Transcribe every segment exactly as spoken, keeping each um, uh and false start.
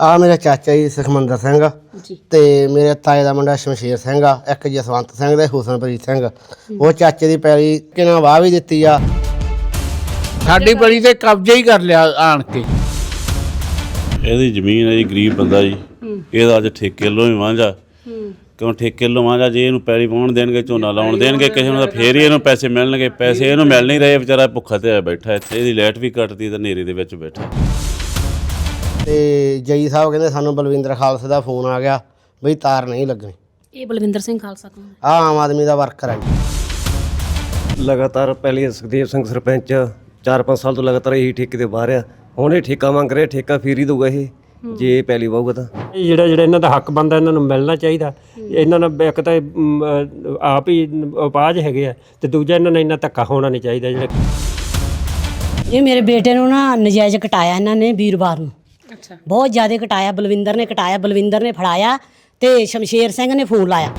ਆ ਮੇਰਾ ਚਾਚਾ ਜੀ ਸੁਖਮੰਦਰ ਸਿੰਘ ਤੇ ਮੇਰੇ ਤਾਏ ਦਾ ਮੁੰਡਾ ਸ਼ਮਸ਼ੇਰ ਸਿੰਘ ਆ, ਇੱਕ ਜਸਵੰਤ ਸਿੰਘ ਤੇ ਹੁਸਨਪ੍ਰੀਤ ਸਿੰਘ। ਉਹ ਚਾਚੇ ਦੀ ਪੈਲੀ ਕਿਨਾਂ ਵਾਹ ਵੀ ਦਿੱਤੀ ਆ, ਸਾਡੀ ਪੈਲੀ ਤੇ ਕਬਜ਼ਾ ਹੀ ਕਰ ਲਿਆ ਆਣ ਕੇ। ਇਹਦੀ ਜ਼ਮੀਨ ਹੈ ਜੀ, ਗਰੀਬ ਬੰਦਾ ਜੀ। ਇਹਦਾ ਅੱਜ ਠੇਕੇ ਲੋ ਹੀ ਵਾਂਝਾ, ਕਿਉਂ ਠੇਕੇ ਲੋ ਵਾਂਝਾ? ਜੇ ਇਹਨੂੰ ਪੈਲੀ ਵਾਹੁਣ ਦੇਣਗੇ, ਝੋਨਾ ਲਾਉਣ ਦੇਣਗੇ ਕਿਸੇ ਨੂੰ, ਤਾਂ ਫੇਰ ਹੀ ਇਹਨੂੰ ਪੈਸੇ ਮਿਲਣਗੇ। ਪੈਸੇ ਇਹਨੂੰ ਮਿਲ ਨਹੀਂ ਰਹੇ, ਵਿਚਾਰਾ ਭੁੱਖਾ ਤੇ ਬੈਠਾ ਇੱਥੇ। ਇਹਦੀ ਲਾਈਟ ਵੀ ਕੱਟਦੀ ਤੇ ਹਨੇਰੇ ਦੇ ਵਿੱਚ ਬੈਠਾ। ਤੇ ਜਈ ਸਾਹਿਬ ਕਹਿੰਦੇ ਸਾਨੂੰ ਬਲਵਿੰਦਰ ਖਾਲਸੇ ਦਾ ਫੋਨ ਆ ਗਿਆ ਬਈ ਤਾਰ ਨਹੀਂ ਲੱਗਣੀ। ਇਹ ਬਲਵਿੰਦਰ ਸਿੰਘ ਖਾਲਸਾ ਕੌਣ ਹੈ? ਆ ਆਮ ਆਦਮੀ ਦਾ ਵਰਕਰ ਆ ਜੀ। ਲਗਾਤਾਰ ਪਹਿਲੀ ਸੁਖਦੇਵ ਸਿੰਘ ਸਰਪੰਚ ਚਾਰ ਪੰਜ ਸਾਲ ਤੋਂ ਲਗਾਤਾਰ ਇਹੀ ਠੇਕੇ ਤੇ ਬਾਹਰ ਆ। ਹੁਣ ਇਹ ਠੇਕਾ ਮੰਗ ਰਿਹਾ, ਠੇਕਾ ਫੇਰ ਹੀ ਦਊਗਾ ਇਹ ਜੇ ਪਹਿਲੀ ਵਾਹੂਗਾ ਤਾਂ। ਜਿਹੜਾ ਜਿਹੜਾ ਇਹਨਾਂ ਦਾ ਹੱਕ ਬਣਦਾ ਇਹਨਾਂ ਨੂੰ ਮਿਲਣਾ ਚਾਹੀਦਾ। ਇਹਨਾਂ ਨਾਲ ਇੱਕ ਤਾਂ ਆਪ ਹੀ ਉਪਾਜ ਹੈਗੇ ਆ, ਤੇ ਦੂਜਾ ਇਹਨਾਂ ਨਾਲ ਇੰਨਾ ਧੱਕਾ ਹੋਣਾ ਨਹੀਂ ਚਾਹੀਦਾ। ਜਿਹੜਾ ਇਹ ਮੇਰੇ ਬੇਟੇ ਨੂੰ ਨਾ ਨਜਾਇਜ਼ ਕਟਾਇਆ ਇਹਨਾਂ ਨੇ ਵੀਰਵਾਰ ਨੂੰ। ਅੱਛਾ, ਬਹੁਤ ਜ਼ਿਆਦਾ ਕਟਾਇਆ। ਬਲਵਿੰਦਰ ਨੇ ਕਟਾਇਆ, ਬਲਵਿੰਦਰ ਨੇ ਫੜਾਇਆ ਤੇ ਸ਼ਮਸ਼ੇਰ ਸਿੰਘ ਨੇ ਫੋਨ ਲਾਇਆ।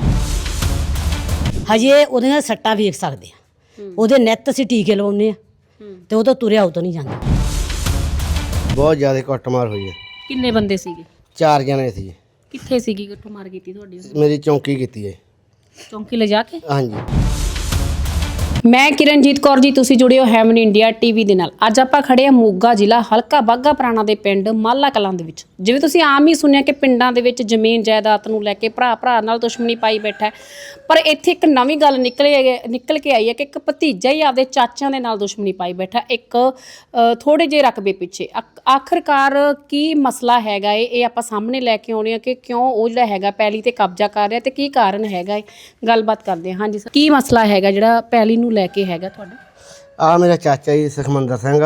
ਹਜੇ ਉਹਦੀਆਂ ਸੱਟਾਂ ਵੇਖ ਸਕਦੇ ਆ, ਉਹਦੇ ਨਿੱਤ ਅਸੀਂ ਟੀਕੇ ਲਵਾਉਂਦੇ ਆ ਤੇ ਉਹ ਤਾਂ ਤੁਰਿਆ ਉਤੋਂ ਨਹੀਂ ਜਾਂਦਾ। ਬਹੁਤ ਜ਼ਿਆਦਾ ਕੁੱਟਮਾਰ ਹੋਈ ਹੈ। ਕਿੰਨੇ ਬੰਦੇ ਸੀਗੇ? ਚਾਰ ਜਣੇ ਸੀ। ਕਿੱਥੇ ਸੀਗੀ ਕੁੱਟਮਾਰ ਕੀਤੀ ਤੁਹਾਡੀ? ਮੇਰੀ ਚੌਂਕੀ ਕੀਤੀ ਹੈ। ਚੌਂਕੀ ਲਿਜਾ ਕੇ? ਹਾਂਜੀ। ਮੈਂ ਕਿਰਨਜੀਤ ਕੌਰ ਜੀ, ਤੁਸੀਂ ਜੁੜੇ ਹੋ ਹੈਵਨ ਇੰਡੀਆ ਟੀਵੀ ਦੇ ਨਾਲ। ਅੱਜ ਆਪਾਂ ਖੜੇ ਆ ਮੋਗਾ ਜ਼ਿਲ੍ਹਾ ਹਲਕਾ ਬਾਘਾ ਪੁਰਾਣਾ ਦੇ ਪਿੰਡ ਮਾਲਾ ਕਲਾਂ ਦੇ ਵਿੱਚ। ਜਿਵੇਂ ਤੁਸੀਂ ਆਮ ਹੀ ਸੁਣਿਆ ਕਿ ਪਿੰਡਾਂ ਦੇ ਵਿੱਚ ਜ਼ਮੀਨ ਜਾਇਦਾਦ ਨੂੰ ਲੈ ਕੇ ਭਰਾ ਭਰਾ ਨਾਲ ਦੁਸ਼ਮਣੀ ਪਾਈ ਬੈਠਾ ਹੈ, ਪਰ ਇੱਥੇ ਇੱਕ ਨਵੀਂ ਗੱਲ ਨਿਕਲੇ ਨਿਕਲ ਕੇ ਆਈ ਹੈ ਕਿ ਇੱਕ ਭਤੀਜਾ ਹੀ ਆਪਦੇ ਚਾਚਿਆਂ ਦੇ ਨਾਲ ਦੁਸ਼ਮਣੀ ਪਾਈ ਬੈਠਾ, ਇੱਕ ਥੋੜੇ ਜਿਹੇ ਰਕਬੇ ਪਿੱਛੇ। ਆਖਰਕਾਰ ਕੀ ਮਸਲਾ ਹੈਗਾ ਏ, ਇਹ ਆਪਾਂ ਸਾਹਮਣੇ ਲੈ ਕੇ ਆਉਣੇ ਆ ਕਿ ਕਿਉਂ ਉਹ ਜਿਹੜਾ ਹੈਗਾ ਪੈਲੀ ਤੇ ਕਬਜ਼ਾ ਕਰ ਰਿਹਾ ਤੇ ਕੀ ਕਾਰਨ ਹੈਗਾ ਏ। ਗੱਲਬਾਤ ਕਰਦੇ ਹਾਂ। ਹਾਂਜੀ ਸਰ, ਕੀ ਮਸਲਾ ਹੈਗਾ ਜਿਹੜਾ ਪੈਲੀ ਨੂੰ ਲੈ ਕੇ ਹੈਗਾ ਤੁਹਾਡਾ? ਆ ਮੇਰਾ ਚਾਚਾ ਜੀ ਸੁਖਮੰਦਰ ਸਿੰਘ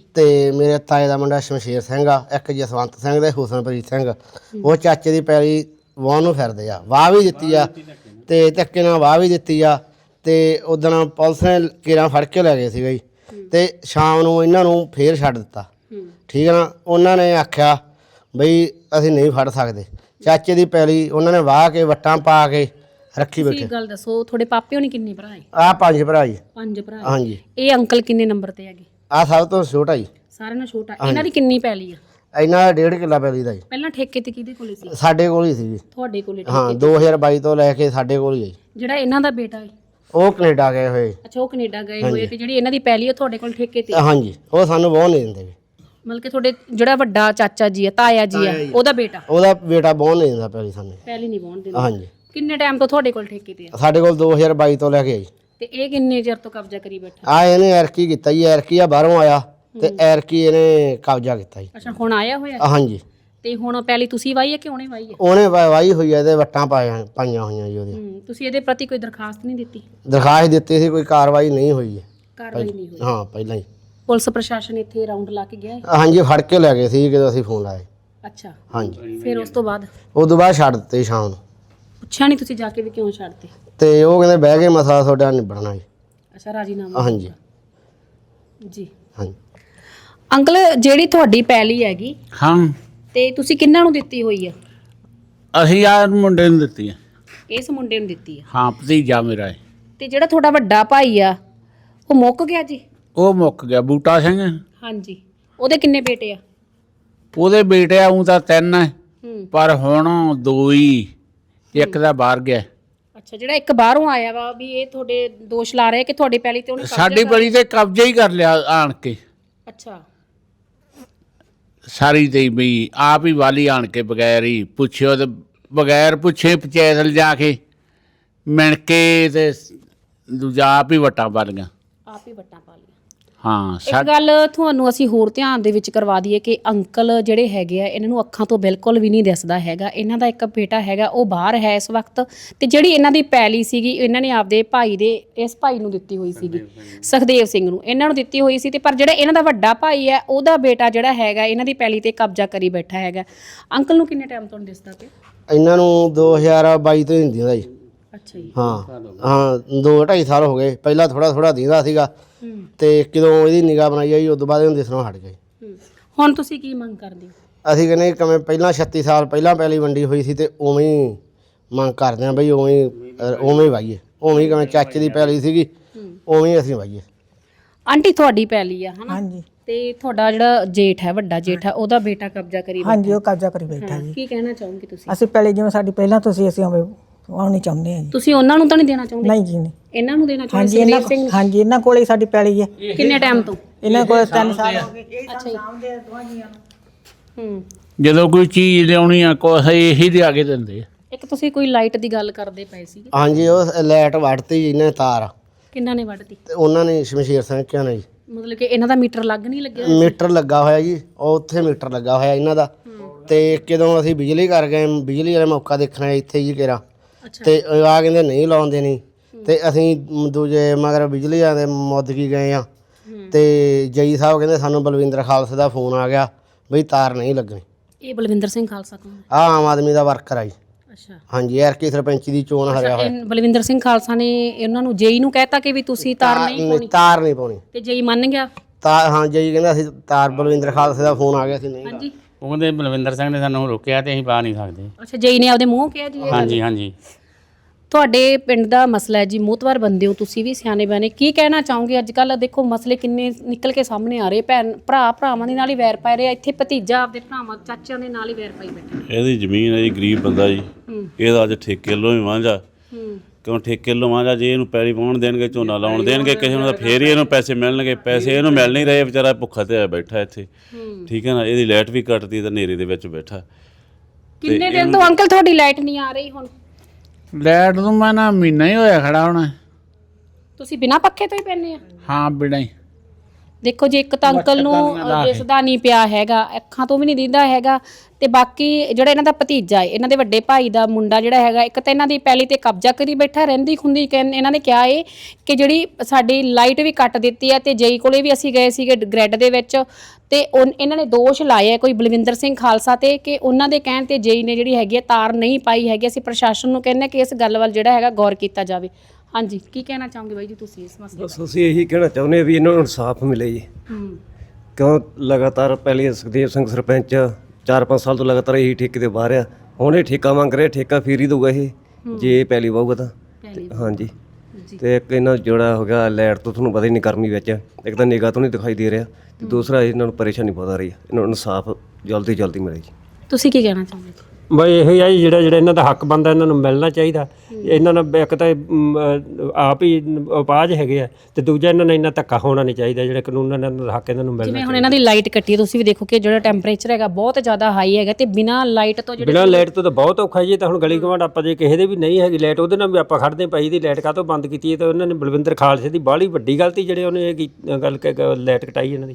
ਤੇ ਮੇਰੇ ਤਾਏ ਦਾ ਮੁੰਡਾ ਸ਼ਮਸ਼ੇਰ ਸਿੰਘ ਆ, ਇੱਕ ਜਸਵੰਤ ਸਿੰਘ ਤੇ ਹੁਸਨਪ੍ਰੀਤ ਸਿੰਘ। ਉਹ ਚਾਚੇ ਦੀ ਪੈਲੀ ਵਾਹ ਨੂੰ ਫਿਰਦੇ ਆ, ਵਾਹ ਵੀ ਦਿੱਤੀ ਆ ਤੇ ਧੱਕੇ ਨਾਲ ਵਾਹ ਵੀ ਦਿੱਤੀ ਆ। ਤੇ ਉਦੋਂ ਪੁਲਿਸ ਨੇ ਕੇਰਾਂ ਫੜ ਕੇ ਲੈ ਗਏ ਸੀਗਾ ਜੀ, ਤੇ ਸ਼ਾਮ ਨੂੰ ਇਹਨਾਂ ਨੂੰ ਫੇਰ ਛੱਡ ਦਿੱਤਾ। ਠੀਕ ਹੈ ਨਾ? ਉਹਨਾਂ ਨੇ ਆਖਿਆ ਬਈ ਅਸੀਂ ਨਹੀਂ ਫੜ ਸਕਦੇ। ਚਾਚੇ ਦੀ ਪੈਲੀ ਉਹਨਾਂ ਨੇ ਵਾਹ ਕੇ ਵੱਟਾਂ ਪਾ ਕੇ ਰੱਖੀ ਬੈਠੇ। ਗੱਲ ਦੱਸੋ, ਤੁਹਾਡੇ ਪਾਪੇ ਹੋਣੀ ਕਿੰਨੇ ਭਰਾ ਹੈ? ਆ ਪੰਜ ਭਰਾ ਜੀ। ਪੰਜ ਭਰਾ? ਹਾਂਜੀ। ਇਹ ਅੰਕਲ ਕਿੰਨੇ ਨੰਬਰ ਤੇ ਹੈਗੇ? ਆ ਸਭ ਤੋਂ ਛੋਟਾ ਜੀ, ਸਾਰਿਆਂ ਨਾਲੋਂ ਛੋਟਾ। ਇਹਨਾਂ ਦੀ ਕਿੰਨੀ ਪੈਲੀ ਆ? ਇਹਨਾਂ ਦਾ ਡੇਢ ਕਿੱਲਾ ਪੈਲੀ ਦਾ ਜੀ। ਪਹਿਲਾਂ ਠੇਕੇ ਤੇ ਕਿਹਦੇ ਕੋਲੇ ਸੀ? ਸਾਡੇ ਕੋਲ ਹੀ ਸੀ ਜੀ। ਤੁਹਾਡੇ ਕੋਲੇ? ਹਾਂ, ਦੋ ਹਜ਼ਾਰ ਬਾਈ ਤੋਂ ਲੈ ਕੇ ਸਾਡੇ ਕੋਲ ਹੀ ਹੈ ਜੀ। ਜਿਹੜਾ ਇਹਨਾਂ ਦਾ ਬੇਟਾ ਹੈ ਉਹ ਕੈਨੇਡਾ ਗਏ ਹੋਏ। ਅੱਛਾ, ਉਹ ਕੈਨੇਡਾ ਗਏ ਹੋਏ, ਤੇ ਜਿਹੜੀ ਇਹਨਾਂ ਦੀ ਪੈਲੀ ਉਹ ਤੁਹਾਡੇ ਕੋਲ ਠੇਕੇ ਤੇ? ਹਾਂਜੀ, ਉਹ ਸਾਨੂੰ ਬਹੁਤ ਨਹੀਂ ਦਿੰਦੇ। ਮਤਲਬ ਕਿ ਤੁਹਾਡੇ ਜਿਹੜਾ ਵੱਡਾ ਚਾਚਾ ਜੀ ਆ, ਤਾਇਆ ਜੀ ਆ, ਉਹਦਾ ਬੇਟਾ? ਉਹਦਾ ਬੇਟਾ ਬਹੁਤ ਨਹੀਂ ਦਿੰਦਾ ਪੈਲੀ ਸਾਨੂੰ। ਪੈਲੀ ਨਹੀਂ ਵਾਹੁਣ ਦਿੰਦਾ? ਹਾਂਜੀ। ਕਿੰਨੇ ਟਾਈਮ ਤੋਂ ਤੁਹਾਡੇ ਕੋਲ ਠੇਕੇ ਤੇ ਆ? ਸਾਡੇ ਕੋਲ ਦੋ ਹਜ਼ਾਰ ਬਾਈ ਤੋਂ ਲੈ ਕੇ ਆਈ। ਤੇ ਇਹ ਕਿੰਨੇ ਚਿਰ ਤੋਂ ਕਬਜ਼ਾ ਕਰੀ ਬੈਠਾ? ਆ ਇਹਨੇ ਐਰਕੀ ਕੀਤਾ ਜੀ, ਐਰਕੀ ਆ ਬਾਹਰੋਂ ਆਇਆ ਤੇ ਐਰਕੀ ਇਹਨੇ ਕਬਜ਼ਾ ਕੀਤਾ ਜੀ। ਅੱਛਾ, ਹੁਣ ਆਇਆ ਹੋਇਆ? ਹਾਂਜੀ। ਤੇ ਹੁਣ ਪੈਲੀ ਤੁਸੀਂ ਵਾਹੀ ਹੈ ਕਿ ਉਹਨੇ ਵਾਹੀ ਹੈ? ਉਹਨੇ ਵਾ- ਵਾਹੀ ਹੋਈ ਹੈ ਤੇ ਵੱਟਾਂ ਪਾਈਆਂ ਪਾਈਆਂ ਹੋਈਆਂ ਜੀ ਉਹਦੇ। ਹੂੰ, ਤੁਸੀਂ ਇਹਦੇ ਪ੍ਰਤੀ ਕੋਈ ਦਰਖਾਸਤ ਨਹੀਂ ਦਿੱਤੀ? ਦਰਖਾਸਤ ਦਿੱਤੀ ਸੀ, ਕੋਈ ਕਾਰਵਾਈ ਨਹੀਂ ਹੋਈ ਹੈ। ਕਾਰਵਾਈ ਨਹੀਂ ਹੋਈ? ਹਾਂ, ਪਹਿਲਾਂ ਹੀ। ਪੁਲਿਸ ਪ੍ਰਸ਼ਾਸਨ ਇੱਥੇ ਰਾਉਂਡ ਲਾ ਕੇ ਗਿਆ ਹੈ? ਹਾਂਜੀ, ਫੜ ਕੇ ਲੈ ਗਏ ਸੀ ਜਦੋਂ ਅਸੀਂ ਫੋਨ ਲਾਏ। ਅੱਛਾ, ਹਾਂਜੀ। ਫਿਰ ਉਸ ਤੋਂ ਬਾਅਦ ਉਸ ਤੋਂ ਬਾਅਦ ਛੱਡ ਦਿੱਤੇ ਸ਼ਾਮ ਨੂੰ। ਪੁੱਛਿਆ ਨਹੀਂ ਤੁਸੀਂ ਜਾ ਕੇ ਵੀ ਕਿਉਂ ਛੱਡਤੇ? ਤੇ ਉਹ ਕਹਿੰਦੇ ਬਹਿ ਕੇ ਮਸਲਾ ਤੁਹਾਡਾ ਨਿਬੜਨਾ ਜੀ। ਅੱਛਾ, ਰਾਜੀਨਾਮਾ? ਹਾਂਜੀ। ਜੀ। ਹਾਂਜੀ। ਅੰਕਲ, ਜਿਹੜੀ ਤੁਹਾਡੀ ਪੈਲੀ ਹੈਗੀ ਹਾਂ, ਤੇ ਤੁਸੀਂ ਕਿੰਨਾਂ ਨੂੰ ਦਿੱਤੀ ਹੋਈ ਆ? ਅਸੀਂ ਆ ਮੁੰਡੇ ਨੂੰ ਦਿੱਤੀ ਆ। ਇਸ ਮੁੰਡੇ ਨੂੰ ਦਿੱਤੀ ਆ? ਹਾਂ, ਭਤੀਜਾ ਮੇਰਾ ਹੈ। ਤੇ ਜਿਹੜਾ ਤੁਹਾਡਾ ਵੱਡਾ ਭਾਈ ਆ ਉਹ ਮੁੱਕ ਗਿਆ ਜੀ? ਉਹ ਮੁੱਕ ਗਿਆ, ਬੂਟਾ ਸਿੰਘ। ਹਾਂਜੀ। ਉਹਦੇ ਕਿੰਨੇ ਬੇਟੇ ਆ? ਉਹਦੇ ਬੇਟੇ ਆ, ਉਹ ਤਾਂ ਤਿੰਨ ਹੈ, ਹੂੰ। ਪਰ ਹੁਣ ਦੋ ਹੀ, ਇੱਕ ਦਾ ਬਾਹਰ ਗਿਆ। ਅੱਛਾ, ਜਿਹੜਾ ਇੱਕ ਬਾਹਰੋਂ ਆਇਆ ਵਾ ਵੀ ਇਹ ਤੁਹਾਡੇ ਦੋਸ਼ ਲਾ ਰਿਹਾ ਕਿ ਤੁਹਾਡੀ ਪੈਲੀ ਤੇ ਉਹਨੇ ਕਬਜ਼ਾ ਸਾਡੀ ਕਰ- ਪੈਲੀ ਤੇ ਕਬਜ਼ਾ ਹੀ ਕਰ ਲਿਆ ਆਣ ਕੇ। ਅੱਛਾ। ਸਾਰੀ ਤੇ ਵੀ ਆਪ ਹੀ ਵਾਲੀ ਆਣ ਕੇ ਬਗੈਰ ਹੀ ਪੁੱਛਿਓ ਤੇ ਬਗੈਰ ਪੁੱਛੇ ਪੰਚਾਇਤ ਲਿਜਾ ਕੇ ਮਿਣ ਕੇ ਤੇ ਦੂਜਾ ਆਪ ਹੀ ਵੱਟਾਂ ਪਾ ਲਈਆਂ। ਆਪ ਹੀ ਵੱਟਾਂ ਪਾ ਲਈਆਂ। ਹਾਂ। ਇੱਕ ਗੱਲ ਤੁਹਾਨੂੰ ਅਸੀਂ ਹੋਰ ਧਿਆਨ ਦੇ ਵਿੱਚ ਕਰਵਾ ਦਈਏ ਕਿ ਅੰਕਲ ਜਿਹੜੇ ਹੈਗੇ ਆ, ਇਹਨਾਂ ਨੂੰ ਅੱਖਾਂ ਤੋਂ ਬਿਲਕੁਲ ਵੀ ਨਹੀਂ ਦਿਸਦਾ ਹੈਗਾ। ਇਹਨਾਂ ਦਾ ਇੱਕ ਬੇਟਾ ਹੈਗਾ, ਉਹ ਬਾਹਰ ਹੈ ਇਸ ਵਕਤ, ਤੇ ਜਿਹੜੀ ਇਹਨਾਂ ਦੀ ਪੈਲੀ ਸੀਗੀ ਇਹਨਾਂ ਨੇ ਆਪਦੇ ਭਾਈ ਦੇ, ਇਸ ਭਾਈ ਨੂੰ ਦਿੱਤੀ ਹੋਈ ਸੀਗੀ, ਸੁਖਦੇਵ ਸਿੰਘ ਨੂੰ ਇਹਨਾਂ ਨੂੰ ਦਿੱਤੀ ਹੋਈ ਸੀ। ਤੇ ਪਰ ਜਿਹੜਾ ਇਹਨਾਂ ਦਾ ਵੱਡਾ ਭਾਈ ਹੈ, ਉਹਦਾ ਬੇਟਾ ਜਿਹੜਾ ਹੈਗਾ ਇਹਨਾਂ ਦੀ ਪੈਲੀ ਤੇ ਕਬਜ਼ਾ ਕਰੀ ਬੈਠਾ ਹੈਗਾ। ਅੰਕਲ ਨੂੰ ਕਿੰਨੇ ਟਾਈਮ ਤੋਂ ਦਿਸਦਾ ਪਿਆ? ਇਹਨਾਂ ਨੂੰ ਦੋ ਹਜ਼ਾਰ ਬਾਈ ਤੋਂ ਹੀ ਹੁੰਦੀ ਹੁੰਦਾ ਜੀ। ਅੱਛਾ ਜੀ। ਹਾਂ ਹਾਂ, ਦੋ ਢਾਈ ਸਾਲ ਹੋ ਗਏ। ਪਹਿਲਾਂ ਥੋੜਾ ਥੋੜਾ ਦਿੰਦਾ ਸੀਗਾ, ਤੇ ਜਦੋਂ ਇਹਦੀ ਨਿਗਾਹ ਬਣਾਈ ਆਈ ਉਸ ਤੋਂ ਬਾਅਦ ਇਹਨੂੰ ਦਿਸਣੋਂ ਹਟ ਗਏ। ਹੁਣ ਤੁਸੀਂ ਕੀ ਮੰਗ ਕਰਦੇ ਹੋ? ਅਸੀਂ ਕਹਿੰਦੇ ਕਿਵੇਂ ਪਹਿਲਾਂ ਛੱਤੀ ਸਾਲ ਪਹਿਲਾਂ ਪਹਿਲੀ ਵੰਡੀ ਹੋਈ ਸੀ ਤੇ ਉਵੇਂ ਹੀ ਮੰਗ ਕਰਦੇ ਹਾਂ ਬਈ, ਉਵੇਂ ਉਵੇਂ ਹੀ ਵਾਹੀਏ, ਉਵੇਂ ਹੀ ਕਿਵੇਂ ਚਾਚੇ ਦੀ ਪੈਲੀ ਸੀਗੀ ਉਵੇਂ ਹੀ ਅਸੀਂ ਵਾਹੀਏ। ਆਂਟੀ ਤੁਹਾਡੀ ਪੈਲੀ ਆ ਹਨਾ ਹਾਂਜੀ ਤੇ ਤੁਹਾਡਾ ਜਿਹੜਾ ਜੇਠ ਹੈ ਵੱਡਾ ਜੇਠ ਹੈ ਉਹਦਾ ਬੇਟਾ ਕਬਜ਼ਾ ਕਰੀ ਬੈਠਾ ਹਾਂਜੀ ਉਹ ਕਬਜ਼ਾ ਕਰੀ ਬੈਠਾ ਹੈ। ਜੀ। ਕੀ ਕਹਿਣਾ ਚਾਹੋਗੇ ਤੁਸੀਂ? ਅਸੀਂ ਪਹਿਲੇ ਜਿਵੇਂ ਸਾਡੀ ਪਹਿਲਾਂ ਤੋਂ ਸੀ ਅਸੀਂ ਉਵੇਂ ਆਉਣੀ ਚਾਹੁੰਦੇ ਹਾਂ ਜੀ। ਤੁਸੀਂ ਉਹਨਾਂ ਨੂੰ ਤਾਂ ਨਹੀਂ ਦੇਣਾ ਚਾਹੁੰਦੇ? ਨਹੀਂ ਜੀ ਨਹੀਂ। ਇਹਨਾਂ ਨੂੰ ਦੇਣਾ ਚਾਹੁੰਦੇ? ਹਾਂਜੀ ਇਹਨਾਂ ਸੁਖਦੇਵ ਸਿੰਘ ਹਾਂਜੀ ਇਹਨਾਂ ਕੋਲੇ ਹੀ ਸਾਡੀ ਪੈਲੀ ਹੈ। ਕਿੰਨੇ ਟਾਈਮ ਤੋਂ? ਇਹਨਾਂ ਕੋਲ ਤਿੰਨ ਸਾਲ ਹੋ ਗਏ। ਅੱਛਾ ਜੀ। ਹੂੰ। ਜਦੋਂ ਕੋਈ ਚੀਜ਼ ਲਿਆਉਣੀ ਆ ਕੁਛ ਇਹੀ ਲਿਆ ਕੇ ਦਿੰਦੇ ਆ। ਇੱਕ ਤੁਸੀਂ ਕੋਈ ਲਾਈਟ ਦੀ ਗੱਲ ਕਰਦੇ ਪਏ ਸੀਗੇ, ਹਾਂਜੀ ਉਹ ਲਾਈਟ ਵੱਢਤੀ ਜੀ ਇਹਨੇ ਤਾਰ, ਕਿੰਨਾ ਨੇ ਵੱਢਤੀ? ਤੇ ਉਹਨਾਂ ਨੇ ਸ਼ਮਸ਼ੀਰ ਸਿੰਘ ਕਿਹਾ ਨੇ ਜੀ। ਮਤਲਬ ਕਿ ਇਹਨਾਂ ਦਾ ਮੀਟਰ ਲੱਗ ਨਹੀਂ ਲੱਗਿਆ? ਮੀਟਰ ਲੱਗਾ ਹੋਇਆ ਜੀ, ਉਹ ਉੱਥੇ ਮੀਟਰ ਲੱਗਾ ਹੋਇਆ ਇਹਨਾਂ ਦਾ। ਤੇ ਜਦੋਂ ਅਸੀਂ ਬਿਜਲੀ ਕਰ ਗਏ, ਬਿਜਲੀ ਵਾਲੇ ਮੌਕਾ ਦੇਖਣਾ ਇੱਥੇ ਜੀ ਕਿਹੜਾ, ਤੇ ਆ ਕਹਿੰਦੇ ਨਹੀਂ ਲਾਉਂਦੇ ਨਹੀਂ, ਤੇ ਅਸੀਂ ਦੂਜੇ ਮਗਰ ਬਿਜਲੀ ਵਾਲੇ ਦੇ ਮੁੱਦ ਕੀ ਗਏ ਆ, ਤੇ ਜਈ ਸਾਹਿਬ ਕਹਿੰਦੇ ਸਾਨੂੰ ਬਲਵਿੰਦਰ ਖਾਲਸੇ ਦਾ ਫੋਨ ਆ ਗਿਆ ਬਈ ਤਾਰ ਨਹੀਂ ਲੱਗਣੀ। ਇਹ ਬਲਵਿੰਦਰ ਸਿੰਘ ਖਾਲਸਾ ਕੌਣ? ਆ ਆਮ ਆਦਮੀ ਦਾ ਵਰਕਰ ਆ ਜੀ। ਅੱਛਾ। ਹਾਂਜੀ ਐਰ ਕੀ ਸਰਪੰਚੀ ਦੀ ਚੋਣ ਹਰਿਆ ਹੋਇਆ। ਇਹ ਬਲਵਿੰਦਰ ਸਿੰਘ ਖਾਲਸਾ ਨੇ ਇਹਨਾਂ ਨੂੰ ਜੇਈ ਨੂੰ ਕਹਿਤਾ ਕਿ ਵੀ ਤੁਸੀਂ ਤਾਰ ਨਹੀਂ ਨਹੀਂ, ਪਾਉਣੀ, ਤਾਰ ਨਹੀਂ ਪਾਉਣੀ। ਤੇ ਜੇਈ ਮੰਨ ਗਿਆ? ਤਾਰ ਹਾਂ ਜਈ ਕਹਿੰਦਾ ਅਸੀਂ ਤਾਰ, ਬਲਵਿੰਦਰ ਖਾਲਸੇ ਦਾ ਫੋਨ ਆ ਗਿਆ ਸੀ ਨਹੀਂ। ਹਾਂਜੀ। ਉਹ ਕਹਿੰਦੇ ਬਲਵਿੰਦਰ ਸਿੰਘ ਨੇ ਸਾਨੂੰ ਰੋਕਿਆ ਤੇ ਅਸੀਂ ਪਾ ਨਹੀਂ ਸਕਦੇ। ਅੱਛਾ, ਜੇਈ ਨੇ ਆਪਦੇ ਮੂੰਹ ਕਿਹਾ ਜੀ ਇਹ ਗੱਲ? ਹਾਂਜੀ ਹਾਂਜੀ। ਤੁਹਾਡੇ ਪਿੰਡ ਦਾ ਮਸਲਾ ਹੈ ਜੀ, ਮੋਤਵਾਰ ਬੰਦੇ ਹੋ ਤੁਸੀਂ ਵੀ, ਸਿਆਣੇ ਬਿਆਣੇ, ਕੀ ਕਹਿਣਾ ਚਾਹੋਗੇ? ਅੱਜ ਕੱਲ ਦੇਖੋ ਮਸਲੇ ਕਿੰਨੇ ਨਿਕਲ ਕੇ ਸਾਹਮਣੇ ਆ ਰਹੇ, ਭੈਣ ਭਰਾ ਭਰਾਵਾਂ ਦੇ ਨਾਲ ਹੀ ਵੈਰ ਪੈ ਰਹੇ, ਇੱਥੇ ਭਤੀਜਾ ਆਪਦੇ ਭਰਾਵਾਂ ਚਾਚਿਆਂ ਦੇ ਨਾਲ ਹੀ ਵੈਰ ਪਾਈ ਬੈਠਾ। ਇਹਦੀ ਜ਼ਮੀਨ ਹੈ ਜੀ, ਗਰੀਬ ਬੰਦਾ ਜੀ, ਇਹਦਾ ਅੱਜ ਠੇਕੇ ਲੋ ਹੀ ਵਾਂਝਾ, ਕਿਉਂ ਠੇਕੇ ਲੋ ਵਾਂਝਾ, ਜੇ ਇਹਨੂੰ ਪੈਲੀ ਪਾਉਣ ਦੇਣਗੇ, ਝੋਨਾ ਲਾਉਣ ਦੇਣਗੇ ਕਿਸੇ ਨੂੰ, ਤਾਂ ਫੇਰ ਹੀ ਇਹਨੂੰ ਪੈਸੇ ਮਿਲਣਗੇ। ਪੈਸੇ ਇਹਨੂੰ ਮਿਲ ਨਹੀਂ ਰਹੇ, ਵਿਚਾਰਾ ਭੁੱਖਾ ਤੇ ਆ ਬੈਠਾ ਇੱਥੇ, ਠੀਕ ਹੈ ਨਾ। ਇਹਦੀ ਲਾਈਟ ਵੀ ਕੱਟਦੀ ਤਾਂ ਹਨੇਰੇ ਦੇ ਵਿੱਚ ਬੈਠਾ। ਕਿੰਨੇ ਦਿਨ ਤੋਂ ਅੰਕਲ ਤੁਹਾਡੀ ਲਾਈਟ ਨਹੀਂ ਆ ਰਹੀ? ਹੁਣ ਲਾਈਟ ਨੂੰ ਮੈਂ ਨਾ ਮਹੀਨਾ ਹੀ ਹੋਇਆ ਖੜਾ ਹੋਣਾ। ਤੁਸੀਂ ਬਿਨਾਂ ਪੱਖੇ ਤੋਂ ਹੀ ਪੈਂਦੇ ਆ? ਹਾਂ ਬਿਨਾਂ ਹੀ। ਦੇਖੋ ਜੀ, ਇੱਕ ਤਾਂ ਅੰਕਲ ਨੂੰ ਦਿਸਦਾ ਨਹੀਂ ਪਿਆ ਹੈਗਾ, ਅੱਖਾਂ ਤੋਂ ਵੀ ਨਹੀਂ ਦਿਖਦਾ ਹੈਗਾ, ਤੇ ਬਾਕੀ ਜਿਹੜਾ ਇਹਨਾਂ ਦਾ ਭਤੀਜਾ ਹੈ, ਇਹਨਾਂ ਦੇ ਵੱਡੇ ਭਾਈ ਦਾ ਮੁੰਡਾ ਜਿਹੜਾ ਹੈਗਾ, ਇੱਕ ਤਾਂ ਇਹਨਾਂ ਦੀ ਪੈਲੀ ਤੇ ਕਬਜ਼ਾ ਕਰੀ ਬੈਠਾ, ਰਹਿੰਦੀ ਖੁੰਦੀ ਕਹਿੰਦੇ ਇਹਨਾਂ ਨੇ ਕਿਹਾ ਏ ਕਿ ਜਿਹੜੀ ਸਾਡੀ ਲਾਈਟ ਵੀ ਕੱਟ ਦਿੱਤੀ ਹੈ। ਤੇ ਜਈ ਕੋਲੇ ਵੀ ਅਸੀਂ ਗਏ ਸੀਗੇ ਗ੍ਰਿਡ ਦੇ ਵਿੱਚ, ਤੇ ਉਨ- ਇਹਨਾਂ ਨੇ ਦੋਸ਼ ਲਾਏ ਆ ਕੋਈ ਬਲਵਿੰਦਰ ਸਿੰਘ ਖਾਲਸਾ ਤੇ, ਕਿ ਉਹਨਾਂ ਦੇ ਕਹਿਣ ਤੇ ਜਈ ਨੇ ਜਿਹੜੀ ਹੈਗੀ ਹੈ ਤਾਰ ਨਹੀਂ ਪਾਈ ਹੈਗੀ। ਅਸੀਂ ਪ੍ਰਸ਼ਾਸਨ ਨੂੰ ਕਹਿੰਦੇ ਕਿ ਇਸ ਗੱਲ ਵੱਲ ਜਿਹੜਾ ਹੈਗਾ ਗੌਰ ਕੀਤਾ ਜਾਵੇ। ਹਾਂਜੀ, ਕੀ ਕਹਿਣਾ ਚਾਹੋਗੇ ਬਾਈ ਜੀ ਤੁਸੀਂ ਇਸ ਮਸਲੇ ਬਸ ਅਸੀਂ ਇਹੀ ਕਹਿਣਾ ਚਾਹੁੰਦੇ ਹਾਂ ਵੀ ਇਹਨਾਂ ਨੂੰ ਇਨਸਾਫ ਮਿਲੇ ਜੀ। ਕਿਉਂ ਲਗਾਤਾਰ ਪਹਿਲੇ ਸੁਖਦੇਵ ਸਿੰਘ ਸਰਪੰਚ ਚਾਰ ਪੰਜ ਸਾਲ ਤੋਂ ਲਗਾਤਾਰ ਇਹੀ ਠੇਕੇ ਤੇ ਬਾਹਰ ਆ, ਹੁਣ ਇਹ ਠੇਕਾ ਮੰਗ ਰਿਹਾ, ਠੇਕਾ ਫੇਰ ਹੀ ਦਊਗਾ ਇਹ ਜੇ ਪਹਿਲੀ ਵਾਹੂਗਾ ਤਾਂ। ਹਾਂਜੀ। ਤੇ ਇੱਕ ਇਹਨਾਂ ਜਿਹੜਾ ਹੋ ਗਿਆ ਲਾਈਟ ਤੋਂ, ਤੁਹਾਨੂੰ ਪਤਾ ਹੀ ਨਹੀਂ ਗਰਮੀ ਵਿੱਚ, ਇੱਕ ਤਾਂ ਨਿਗਾਹ ਤੋਂ ਨਹੀਂ ਦਿਖਾਈ ਦੇ ਰਿਹਾ, ਤੇ ਦੂਸਰਾ ਇਹਨਾਂ ਨੂੰ ਪਰੇਸ਼ਾਨੀ ਬਹੁਤ ਆ ਰਹੀ ਹੈ। ਇਹਨਾਂ ਨੂੰ ਇਨਸਾਫ ਜਲਦੀ ਜਲਦੀ ਮਿਲੇ ਜੀ। ਤੁਸੀਂ ਕੀ ਕਹਿਣਾ ਚਾਹੁੰਦੇ? ਬਈ ਇਹੋ ਹੀ ਆ ਜੀ, ਜਿਹੜਾ ਜਿਹੜਾ ਇਹਨਾਂ ਦਾ ਹੱਕ ਬਣਦਾ ਇਹਨਾਂ ਨੂੰ ਮਿਲਣਾ ਚਾਹੀਦਾ। ਇਹਨਾਂ ਨਾਲ ਇੱਕ ਤਾਂ ਅਮ, ਅਹ, ਆਪ ਹੀ ਉਪਾਜ ਹੈਗੇ ਆ, ਤੇ ਦੂਜਾ ਇਹਨਾਂ ਨਾਲ ਇੰਨਾ ਧੱਕਾ ਹੋਣਾ ਨਹੀਂ ਚਾਹੀਦਾ। ਜਿਹੜਾ ਕਾਨੂੰਨ ਇਹਨਾਂ ਦਾ ਹੱਕ ਇਹਨਾਂ ਨੂੰ ਮਿਲਣਾ ਜਿਵੇਂ ਹੁਣ ਇਹਨਾਂ ਦੀ ਲਾਈਟ ਕੱਟੀ ਹੈ, ਤੁਸੀਂ ਵੀ ਦੇਖੋ ਕਿ ਜਿਹੜਾ ਟੈਂਪਰੇਚਰ ਹੈਗਾ ਬਹੁਤ ਜ਼ਿਆਦਾ ਹਾਈ ਹੈਗਾ, ਤੇ ਬਿਨਾਂ ਲਾਈਟ ਤੋਂ ਜਿਹੜੇ ਬਿਨਾਂ ਲਾਈਟ ਤੋਂ ਤਾਂ ਬਹੁਤ ਔਖਾ ਜੀ। ਤਾਂ ਹੁਣ ਗਲੀ ਗਵਾਂਢ ਆਪਾਂ ਜੇ ਕਿਸੇ ਦੇ ਵੀ ਨਹੀਂ ਹੈਗੀ ਲਾਈਟ, ਉਹਦੇ ਨਾਲ ਵੀ ਆਪਾਂ ਖੜਦੇ ਪਈ ਦੀ ਲਾਈਟ ਕਾਹਤੋਂ ਬੰਦ ਕੀਤੀ ਹੈ? ਤਾਂ ਉਹਨਾਂ ਨੇ ਬਲਵਿੰਦਰ ਖਾਲਸੇ ਦੀ ਬਾਹਲੀ ਵੱਡੀ ਗਲਤੀ ਜਿਹੜੇ ਉਹਨੇ ਇਹ ਕੀ- ਗੱਲ ਕਿ ਲਾਈਟ ਕਟਾਈ ਇਹਨਾਂ ਦੀ।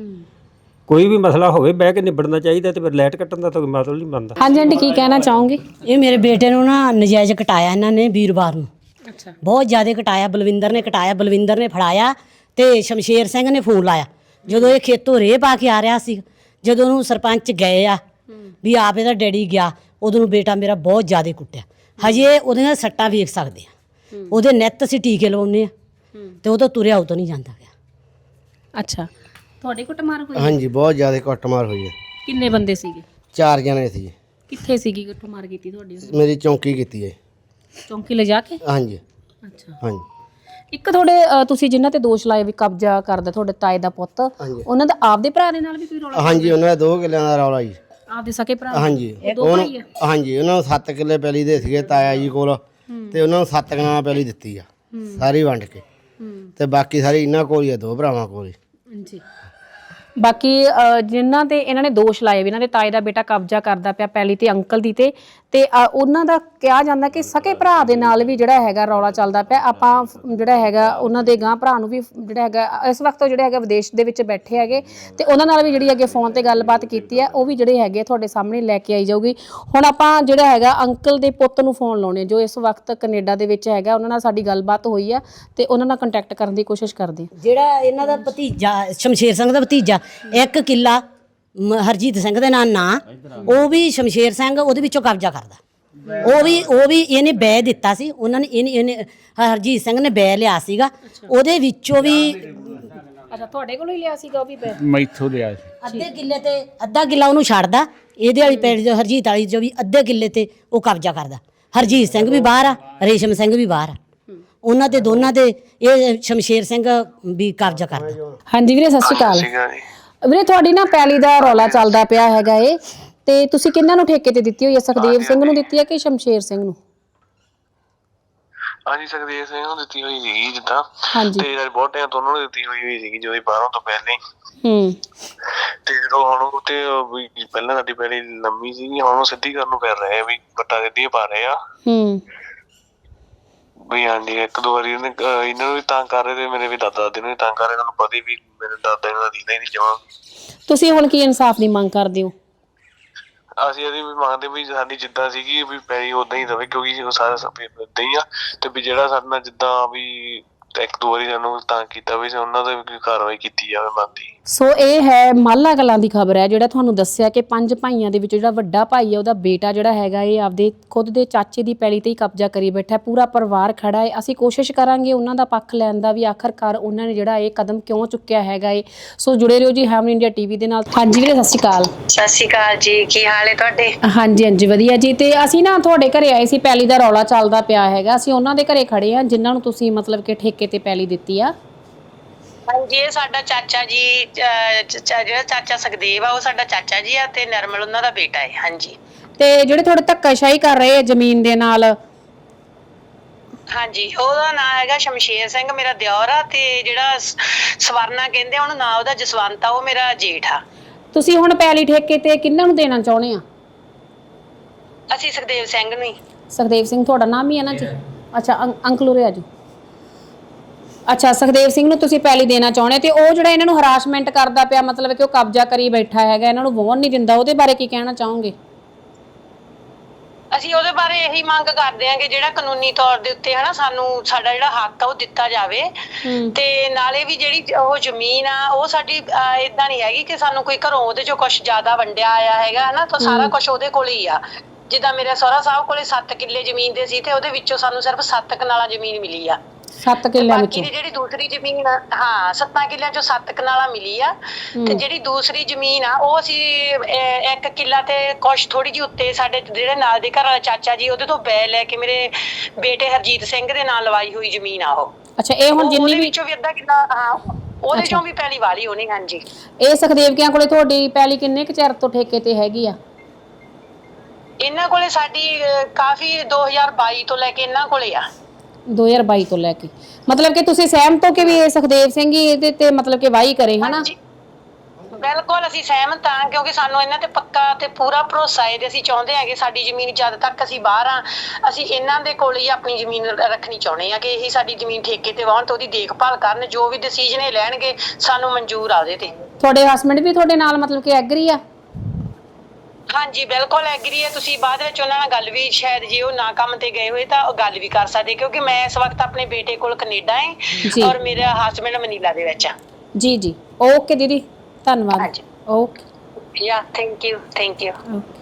ਕੋਈ ਵੀ ਮਸਲਾ ਹੋਵੇ ਬਹਿ ਕੇ ਨਿਬੜਨਾ ਚਾਹੀਦਾ, ਤੇ ਫਿਰ ਲਾਈਟ ਕੱਟਣ ਦਾ ਤਾਂ ਕੋਈ ਮਤਲਬ ਨਹੀਂ ਬਣਦਾ। ਹਾਂਜੀ ਆਂਟੀ, ਕੀ ਕਹਿਣਾ ਚਾਹੋਗੇ? ਇਹ ਮੇਰੇ ਬੇਟੇ ਨੂੰ ਨਾ ਨਜਾਇਜ਼ ਕਟਾਇਆ ਇਹਨਾਂ ਨੇ ਵੀਰਵਾਰ ਨੂੰ, ਅੱਛਾ। ਬਹੁਤ ਜ਼ਿਆਦਾ ਕਟਾਇਆ। ਬਲਵਿੰਦਰ ਨੇ ਕਟਾਇਆ, ਬਲਵਿੰਦਰ ਨੇ ਫੜਾਇਆ, ਤੇ ਸ਼ਮਸ਼ੇਰ ਸਿੰਘ ਨੇ ਫੋਨ ਲਾਇਆ ਜਦੋਂ ਇਹ ਖੇਤੋਂ ਰੇਹ ਪਾ ਕੇ ਆ ਰਿਹਾ ਸੀ। ਜਦੋਂ ਉਹਨੂੰ ਸਰਪੰਚ ਗਏ ਆ ਵੀ ਆਪ ਇਹਦਾ ਡੈਡੀ ਗਿਆ, ਉਦੋਂ ਨੂੰ ਬੇਟਾ ਮੇਰਾ ਬਹੁਤ ਜ਼ਿਆਦਾ ਕੁੱਟਿਆ। ਹਜੇ ਉਹਦੀਆਂ ਸੱਟਾਂ ਵੇਖ ਸਕਦੇ ਆ, ਉਹਦੇ ਨਿੱਤ ਅਸੀਂ ਟੀਕੇ ਲਵਾਉਂਦੇ ਆ, ਤੇ ਉਹ ਤਾਂ ਤੁਰਿਆ ਉਹ ਤੋਂ ਨਹੀਂ ਜਾਂਦਾ ਗਿਆ। ਅੱਛਾ, ਤੁਹਾਡੇ ਕੁੱਟਮਾਰ ਹੋਈ? ਹਾਂਜੀ ਬਹੁਤ ਜ਼ਿਆਦਾ ਕੁੱਟਮਾਰ ਹੋਈ ਹੈ। ਕਿੰਨੇ ਬੰਦੇ ਸੀਗੇ? ਚਾਰ ਜਣੇ ਸੀ। ਕਿੱਥੇ ਸੀਗੀ ਕੁੱਟਮਾਰ ਕੀਤੀ ਤੁਹਾਡੀ? ਮੇਰੀ ਚੌਂਕੀ ਕੀਤੀ ਹੈ। ਚੌਂਕੀ ਲੈ ਜਾ ਕੇ? ਹਾਂਜੀ ਅੱਛਾ। ਹਾਂਜੀ। ਇੱਕ ਤੁਹਾਡੇ ਅ, ਤੁਸੀਂ ਜਿਨ੍ਹਾਂ ਤੇ ਦੋਸ਼ ਲਾਏ ਵੀ ਕਬਜ਼ਾ ਕਰਦਾ ਤੁਹਾਡੇ ਤਾਏ ਦਾ ਪੁੱਤ, ਉਹਨਾਂ ਦਾ ਆਪਦੇ ਭਰਾ ਦੇ ਨਾਲ ਵੀ ਕੋਈ ਰੌਲਾ? ਹਾਂਜੀ ਉਹਨਾਂ ਦਾ ਦੋ ਕਿੱਲਿਆਂ ਦਾ ਰੌਲਾ ਜੀ। ਆਪਦੇ ਸਕੇ ਭਰਾ? ਹਾਂਜੀ ਦੋ ਉਹਨੂੰ ਭਾਈ ਆ? ਹਾਂਜੀ ਉਹਨਾਂ ਨੂੰ ਸੱਤ ਕਿੱਲੇ ਪੈਲੀ ਦੇ ਸੀਗੇ ਤਾਇਆ ਜੀ ਕੋਲ, ਤੇ ਉਹਨਾਂ ਨੂੰ ਸੱਤ ਕਿੱਲਿਆਂ ਪੈਲੀ ਦਿੱਤੀ ਆ ਸਾਰੀ ਵੰਡ ਕੇ, ਤੇ ਬਾਕੀ ਸਾਰੀ ਇਹਨਾਂ ਕੋਲ ਹੀ ਆ, ਦੋ ਭਰਾਵਾਂ ਕੋਲ ਹੀ। ਜੀ। ਬਾਕੀ ਅ, ਜਿਨ੍ਹਾਂ ਤੇ ਇਹਨਾਂ ਨੇ ਦੋਸ਼ ਲਾਏ ਵੀ ਇਹਨਾਂ ਦੇ ਤਾਏ ਦਾ ਬੇਟਾ ਕਬਜ਼ਾ ਕਰਦਾ ਪਿਆ ਪੈਲੀ ਤੇ ਅੰਕਲ ਦੀ, ਤੇ ਤੇ ਅ, ਉਹਨਾਂ ਦਾ ਕਿਹਾ ਜਾਂਦਾ ਕਿ ਸਕੇ ਭਰਾ ਦੇ ਨਾਲ ਵੀ ਜਿਹੜਾ ਹੈਗਾ ਰੌਲਾ ਚੱਲਦਾ ਪਿਆ। ਆਪਾਂ ਜਿਹੜਾ ਹੈਗਾ ਉਹਨਾਂ ਦੇ ਗਾਂ ਭਰਾ ਨੂੰ ਵੀ ਜਿਹੜਾ ਹੈਗਾ ਇਸ ਵਕਤ ਜਿਹੜੇ ਹੈਗਾ ਵਿਦੇਸ਼ ਦੇ ਵਿੱਚ ਬੈਠੇ ਹੈਗੇ, ਤੇ ਉਹਨਾਂ ਨਾਲ ਵੀ ਜਿਹੜੀ ਹੈਗੇ ਫੋਨ ਤੇ ਗੱਲਬਾਤ ਕੀਤੀ ਹੈ, ਉਹ ਵੀ ਜਿਹੜੇ ਹੈਗੇ ਤੁਹਾਡੇ ਸਾਹਮਣੇ ਲੈ ਕੇ ਆਈ ਜਾਊਗੀ। ਹੁਣ ਆਪਾਂ ਜਿਹੜਾ ਹੈਗਾ ਅੰਕਲ ਦੇ ਪੁੱਤ ਨੂੰ ਫੋਨ ਲਾਉਣੇ, ਜੋ ਇਸ ਵਕਤ ਕੈਨੇਡਾ ਦੇ ਵਿੱਚ ਹੈਗਾ, ਉਹਨਾਂ ਨਾਲ ਸਾਡੀ ਗੱਲਬਾਤ ਹੋਈ ਆ, ਤੇ ਉਹਨਾਂ ਨਾਲ ਕੰਟੈਕਟ ਕਰਨ ਦੀ ਕੋਸ਼ਿਸ਼ ਕਰਦੇ ਹਾਂ। ਜਿਹੜਾ ਇਹਨਾਂ ਦਾ ਭਤੀਜਾ ਸ਼ਮਸ਼ੇਰ ਸਿੰਘ ਦਾ ਭਤੀਜਾ, ਇੱਕ ਕਿੱਲਾ ਮ- ਹਰਜੀਤ ਸਿੰਘ ਦੇ ਨਾਂ ਨਾ, ਉਹ ਵੀ ਸ਼ਮਸ਼ੇਰ ਸਿੰਘ ਉਹਦੇ ਵਿੱਚੋਂ ਕਬਜ਼ਾ ਕਰਦਾ। ਉਹ ਵੀ ਉਹ ਵੀ ਇਹਨੇ ਬੈ ਦਿੱਤਾ ਸੀ ਉਹਨਾਂ ਨੇ, ਇਹਨੇ ਇਹਨੇ ਹਰਜੀਤ ਸਿੰਘ ਨੇ ਬੈ ਲਿਆ ਸੀਗਾ, ਉਹਦੇ ਵਿੱਚੋਂ ਵੀ ਅੱਛਾ, ਤੁਹਾਡੇ ਕੋਲੋਂ ਹੀ ਲਿਆ ਸੀਗਾ ਉਹ ਵੀ? ਮੈਥੋਂ ਲਿਆ ਸੀ। ਅੱਧੇ ਕਿੱਲੇ ਤੇ ਅੱਧਾ ਕਿੱਲਾ ਉਹਨੂੰ ਛੱਡਦਾ, ਇਹਦੇ ਵਾਲੀ ਪਿੰਡ ਜੋ ਹਰਜੀਤ ਵਾਲੀ ਜੋ ਵੀ ਅੱਧੇ ਕਿੱਲੇ ਤੇ ਉਹ ਕਬਜ਼ਾ ਕਰਦਾ। ਹਰਜੀਤ ਸਿੰਘ ਵੀ ਬਾਹਰ ਆ, ਰੇਸ਼ਮ ਸਿੰਘ ਵੀ ਬਾਹਰ ਆ, ਉਹਨਾਂ ਦੇ ਦੋਨਾਂ ਦੇ ਇਹ ਸ਼ਮਸ਼ੇਰ ਸਿੰਘ ਵੀ ਕਬਜ਼ਾ ਕਰਦਾ। ਹਾਂਜੀ ਵੀਰੇ ਸਤਿ ਸ਼੍ਰੀ ਅਕਾਲ। ਵੀਰੇ ਤੁਹਾਡੀ ਨਾ ਪੈਲੀ ਦਾ ਰੌਲਾ ਚੱਲਦਾ ਪਿਆ ਹੈਗਾ ਏ ਤੇ ਤੁਸੀਂ ਕਿਹਨਾਂ ਨੂੰ ਠੇਕੇ ਤੇ ਦਿੱਤੀ ਹੋਈ ਹੈ? ਸੁਖਦੇਵ ਸਿੰਘ ਨੂੰ ਦਿੱਤੀ ਹੈ ਕਿ ਸ਼ਮਸ਼ੇਰ ਸਿੰਘ ਨੂੰ? ਹਾਂਜੀ ਸੁਖਦੇਵ ਸਿੰਘ ਨੂੰ ਦਿੱਤੀ ਹੋਈ ਸੀਗੀ ਜਿੱਦਾਂ, ਹਾਂਜੀ ਤੇ ਯਾਰ ਬਹੁਤ ਟਾਈਮ ਤੋਂ ਉਹਨਾਂ ਨੂੰ ਦਿੱਤੀ ਹੋਈ ਹੋਈ ਸੀਗੀ ਜਦੋਂ ਇਹ ਬਾਹਰੋਂ ਤੋਂ ਪਹਿਲੇ। ਹੂੰ ਤੇ ਜਦੋਂ ਹੁਣ ਉਹ ਤੇ ਵੀ ਪਹਿਲਾਂ ਸਾਡੀ ਪਹਿਲੀ ਲੰਮੀ ਸੀਗੀ, ਹੁਣ ਉਹ ਸਿੱਧੀ ਕਰਨ ਨੂੰ ਕਰ ਰਹੇ ਆ ਵੀ ਵੱਟਾਂ ਸਿੱਧੀਆਂ ਪਾ ਰਹੇ ਆ। ਹੂੰ ਵੀ ਹਾਂਜੀ ਇੱਕ ਦੋ ਵਾਰੀ ਇਹਨੇ ਅਹ ਇਹਨਾਂ ਨੂੰ ਵੀ ਤੰਗ ਕਰ ਰਹੇ ਤੇ ਮੇਰੇ ਵੀ ਦਾਦਾ ਦਾਦੀ ਨੂੰ ਵੀ ਤੰਗ ਕਰ ਰਹੇ। ਤੁਹਾਨੂੰ ਪਤਾ ਹੀ ਵੀ ਮੇਰੇ ਦਾਦਾ ਇਹਨਾਂ ਦਾ ਦੀਦਾ ਹੀ ਨਹੀਂ ਜਮਾਂ। ਤੁਸੀਂ ਹੁਣ ਕੀ ਇਨਸਾਫ ਦੀ ਮੰਗ ਕਰਦੇ ਹੋ? ਅਸੀਂ ਇਹਦੀ ਵੀ ਮੰਗਦੇ ਵੀ ਸਾਡੀ ਜਿੱਦਾਂ ਸੀਗੀ ਵੀ ਪੈਰੀ ਉਦਾਂ ਹੀ ਰਵੇ, ਕਿਉਂਕਿ ਉਹ ਸਾਰਾ ਸਭ ਏਦਾਂ ਹੀ ਆ। ਤੇ ਵੀ ਜਿਹੜਾ ਸਾਡੇ ਨਾਲ ਜਿੱਦਾਂ ਵੀ ਇੱਕ ਦੋ ਵਾਰੀ ਸਾਨੂੰ ਤੰਗ ਕੀਤਾ ਵੀ ਉਹਨਾਂ ਤੇ ਵੀ ਕਾਰਵਾਈ ਕੀਤੀ ਜਾਵੇ ਬਣਦੀ। ਸੋ ਇਹ ਹੈ ਮਾਲਾ ਕਲਾਂ ਦੀ ਖਬਰ ਹੈ, ਜਿਹੜਾ ਤੁਹਾਨੂੰ ਦੱਸਿਆ ਕਿ ਪੰਜ ਭਾਈਆਂ ਦੇ ਵਿੱਚ ਜਿਹੜਾ ਵੱਡਾ ਭਾਈ ਹੈ ਉਹਦਾ ਬੇਟਾ ਜਿਹੜਾ ਹੈਗਾ ਇਹ ਆਪਦੇ ਖੁਦ ਦੇ ਚਾਚੇ ਦੀ ਪੈਲੀ ਤੇ ਹੀ ਕਬਜ਼ਾ ਕਰੀ ਬੈਠਾ। ਪੂਰਾ ਪਰਿਵਾਰ ਖੜਾ ਹੈ। ਅਸੀਂ ਕੋਸ਼ਿਸ਼ ਕਰਾਂਗੇ ਉਹਨਾਂ ਦਾ ਪੱਖ ਲੈਣ ਦਾ ਵੀ, ਆਖਰਕਾਰ ਉਹਨਾਂ ਨੇ ਜਿਹੜਾ ਇਹ ਕਦਮ ਕਿਉਂ ਚੁੱਕਿਆ ਹੈਗਾ ਏ। ਸੋ ਜੁੜੇ ਰਹੋ ਜੀ ਹੈਮਨ ਇੰਡੀਆ ਟੀਵੀ ਦੇ ਨਾਲ। ਹਾਂਜੀ ਵੀਰੇ ਸਤਿ ਸ਼੍ਰੀ ਅਕਾਲ। ਸਤਿ ਸ਼੍ਰੀ ਅਕਾਲ ਜੀ, ਕੀ ਹਾਲ ਹੈ ਤੁਹਾਡੇ? ਹਾਂਜੀ ਹਾਂਜੀ ਵਧੀਆ ਜੀ। ਤੇ ਅਸੀਂ ਨਾ ਤੁਹਾਡੇ ਘਰੇ ਆਏ ਸੀ, ਪੈਲੀ ਦਾ ਰੌਲਾ ਚੱਲਦਾ ਪਿਆ ਹੈਗਾ। ਅਸੀਂ ਉਹਨਾਂ ਦੇ ਘਰੇ ਖੜੇ ਆ ਜਿਨ੍ਹਾਂ ਨੂੰ ਤੁਸੀਂ ਮਤਲਬ ਕਿ ਠੇਕੇ ਤੇ ਪੈਲੀ ਦਿੱਤੀ ਆ। ਹਾਂਜੀ ਇਹ ਸਾਡਾ ਚਾਚਾ ਜੀ, ਜਿਹੜਾ ਚਾਚਾ ਸੁਖਦੇਵ ਆ ਉਹ ਸਾਡਾ ਚਾਚਾ ਜੀ ਆ ਤੇ ਨਰਮਲ ਉਹਨਾਂ ਦਾ ਬੇਟਾ ਹੈ। ਹਾਂਜੀ ਤੇ ਜਿਹੜੇ ਥੋੜੇ ਧੱਕਾਸ਼ਾਹੀ ਕਰ ਰਹੇ ਆ ਜ਼ਮੀਨ ਦੇ ਨਾਲ? ਹਾਂਜੀ ਉਹਦਾ ਨਾਂ ਹੈਗਾ ਸ਼ਮਸ਼ੇਰ ਸਿੰਘ, ਮੇਰਾ ਦਿਓਰ ਆ। ਤੇ ਜਿਹੜਾ ਸਵਰਨਾ ਕਹਿੰਦੇ ਉਹਨੂੰ ਨਾਂ ਉਹਦਾ ਜਸਵੰਤ ਆ, ਉਹ ਮੇਰਾ ਜੇਠ ਆ। ਤੁਸੀਂ ਹੁਣ ਪੈਲੀ ਠੇਕੇ ਤੇ ਕਿਹਨਾਂ ਨੂੰ ਦੇਣਾ ਚਾਹੁੰਦੇ ਆ? ਅਸੀਂ ਸੁਖਦੇਵ ਸਿੰਘ ਨੂੰ ਹੀ। ਸੁਖਦੇਵ ਸਿੰਘ ਤੁਹਾਡਾ ਨਾਮ ਹੀ ਹੈ ਨਾ ਜੀ? ਅੱਛਾ ਅੰਕਲ ਉਰੇ ਆ ਜੀ। ਅੱਛਾ ਸੁਖਦੇਵ ਸਿੰਘ ਨੂੰ ਤੁਸੀਂ ਪੈਲੀ ਦੇਣਾ ਚਾਹੁੰਦੇ ਤੇ ਉਹ ਜਿਹੜਾ ਇਹਨਾਂ ਨੂੰ ਹਰਾਸਮੈਂਟ ਕਰਦਾ ਪਿਆ, ਮਤਲਬ ਕਿ ਉਹ ਕਬਜ਼ਾ ਕਰੀ ਬੈਠਾ ਹੈਗਾ, ਇਹਨਾਂ ਨੂੰ ਵਾਹੁਣ ਨਹੀਂ ਦਿੰਦਾ, ਉਹਦੇ ਬਾਰੇ ਕੀ ਕਹਿਣਾ ਚਾਹੋਗੇ? ਅਸੀਂ ਉਹਦੇ ਬਾਰੇ ਇਹੀ ਮੰਗ ਕਰਦੇ ਹਾਂ ਕਿ ਜਿਹੜਾ ਕਾਨੂੰਨੀ ਤੌਰ ਦੇ ਉੱਤੇ ਹਨਾ ਸਾਨੂੰ ਸਾਡਾ ਜਿਹੜਾ ਹੱਕ ਆ ਉਹ ਦਿੱਤਾ ਜਾਵੇ। ਤੇ ਨਾਲੇ ਵੀ ਜਿਹੜੀ ਉਹ ਜ਼ਮੀਨ ਆ ਉਹ ਸਾਡੀ ਏਦਾਂ ਨਹੀਂ ਹੈਗੀ ਕਿ ਸਾਨੂੰ ਕੋਈ ਘਰੋਂ ਉਹਦੇ ਚੋਂ ਕੁਛ ਜ਼ਿਆਦਾ ਵੰਡਿਆ ਆਇਆ ਹੈਗਾ ਹਨਾ, ਤਾਂ ਸਾਰਾ ਕੁਛ ਉਹਦੇ ਕੋਲ ਹੀ ਆ। ਜਿੱਦਾਂ ਮੇਰੇ ਸਹੁਰਾ ਸਾਹਿਬ ਕੋਲੇ ਸੱਤ ਕਿੱਲੇ ਜ਼ਮੀਨ ਦੇ ਸੀ ਤੇ ਉਹਦੇ ਵਿੱਚੋਂ ਸਾਨੂੰ ਸਿਰਫ ਸੱਤ ਕਨਾਲਾਂ ਜ਼ਮੀਨ ਮਿਲੀ ਆ। ਸੱਤ ਕਿੱਲਿਆਂ ਬਾਕੀ ਵਿੱਚੋਂ? ਦੀ ਜਿਹੜੀ ਦੂਸਰੀ ਜ਼ਮੀਨ ਆ, ਹਾਂ ਸੱਤਾਂ ਕਿੱਲਿਆਂ ਚੋਂ ਸੱਤ ਕਨਾਲਾਂ ਮਿਲੀ ਆ। ਤੇ ਜਿਹੜੀ ਦੂਸਰੀ ਜ਼ਮੀਨ ਆ ਉਹ ਅਸੀਂ ਇੱਕ ਕਿੱਲਾ ਤੇ ਕੁਛ ਥੋੜੀ ਜਿਹੀ ਉੱਤੇ ਸਾਡੇ ਜਿਹੜੇ ਨਾਲ ਦੇ ਘਰ ਵਾਲਾ ਚਾਚਾ ਜੀ ਉਹਦੇ ਤੋਂ ਬੈ ਲੈ ਕੇ ਮੇਰੇ ਬੇਟੇ ਹਰਜੀਤ ਸਿੰਘ ਦੇ ਨਾਲ ਲਵਾਈ ਹੋਈ ਜ਼ਮੀਨ ਆ ਉਹ। ਅੱਛਾ ਇਹ ਹੁਣ ਜਿੰਨੀ ਵੀ ਵਿੱਚੋਂ ਵੀ ਅੱਧਾ ਕਿੱਲਾ, ਹਾਂ ਉਹਦੇ ਚੋਂ ਵੀ ਪੈਲੀ ਵਾਲੀ ਹੋਣੀ। ਹਾਂਜੀ ਇਹ ਸੁਖਦੇਵ ਕਿਆਂ ਕੋਲੇ ਤੁਹਾਡੀ ਪੈਲੀ ਕਿੰਨੇ ਕੁ ਚਿਰ ਤੋਂ ਠੇਕੇ ਤੇ ਹੈਗੀ ਆ? ਇਹਨਾਂ ਕੋਲੇ ਸਾਡੀ ਕਾਫੀ ਦੋ ਹਜ਼ਾਰ ਬਾਈ ਤੋਂ ਲੈ ਕੇ ਇਹਨਾਂ ਕੋਲੇ ਆ। ਦੋ ਹਜ਼ਾਰ ਬਾਈ ਤੋਂ ਲੈ ਕੇ ਮਤਲਬ ਕਿ ਤੁਸੀਂ ਸਹਿਮਤ ਹੋ ਕਿ ਵੀ ਇਹ ਸੁਖਦੇਵ ਸਿੰਘ ਹੀ ਇਹਦੇ ਤੇ ਮਤਲਬ ਕਿ ਵਾਹੀ ਕਰੇ ਹਨਾ? ਬਿਲਕੁਲ ਅਸੀਂ ਸਹਿਮਤ ਹਾਂ, ਕਿਉਂਕਿ ਸਾਨੂੰ ਇਹਨਾਂ ਤੇ ਪੱਕਾ ਤੇ ਪੂਰਾ ਭਰੋਸਾ ਹੈ ਤੇ ਅਸੀਂ ਚਾਹੁੰਦੇ ਹਾਂ ਕਿ ਸਾਡੀ ਜ਼ਮੀਨ ਜਦ ਤੱਕ ਅਸੀਂ ਬਾਹਰ ਆ ਅਸੀਂ ਇਹਨਾਂ ਦੇ ਕੋਲ ਹੀ ਆਪਣੀ ਜ਼ਮੀਨ ਰੱਖਣੀ ਚਾਹੁੰਦੇ ਹਾਂ ਕਿ ਇਹੀ ਸਾਡੀ ਜ਼ਮੀਨ ਠੇਕੇ ਤੇ ਵਾਹੁਣ ਤੇ ਉਹਦੀ ਦੇਖਭਾਲ ਕਰਨ। ਜੋ ਵੀ ਡਿਸੀਜਨ ਇਹ ਲੈਣਗੇ ਸਾਨੂੰ ਮਨਜ਼ੂਰ ਆ ਉਹਦੇ ਤੇ। ਤੁਹਾਡੇ ਹਸਬੰਡ ਵੀ ਤੁਹਾਡੇ ਨਾਲ ਮਤਲਬ ਕਿ ਐਗਰੀ ਆ? ਹਾਂਜੀ ਬਿਲਕੁਲ ਐਗਰੀ ਹੈ। ਤੁਸੀਂ ਬਾਅਦ ਵਿੱਚ ਉਹਨਾਂ ਨਾਲ ਗੱਲ ਵੀ ਸ਼ਾਇਦ ਜੇ ਉਹ ਨਾ ਕੰਮ ਤੇ ਗਏ ਹੋਏ ਤਾਂ ਉਹ ਗੱਲ ਵੀ ਕਰ ਸਕਦੇ, ਕਿਉਂਕਿ ਮੈਂ ਇਸ ਵਕਤ ਆਪਣੇ ਬੇਟੇ ਕੋਲ ਕੈਨੇਡਾ ਹੈ ਔਰ ਮੇਰਾ ਹਸਬੰਡ ਮਨੀਲਾ ਦੇ ਵਿੱਚ ਆ। ਜੀ ਜੀ ਓਕੇ ਦੀਦੀ ਧੰਨਵਾਦ। Okay yeah thank you thank you. Okay.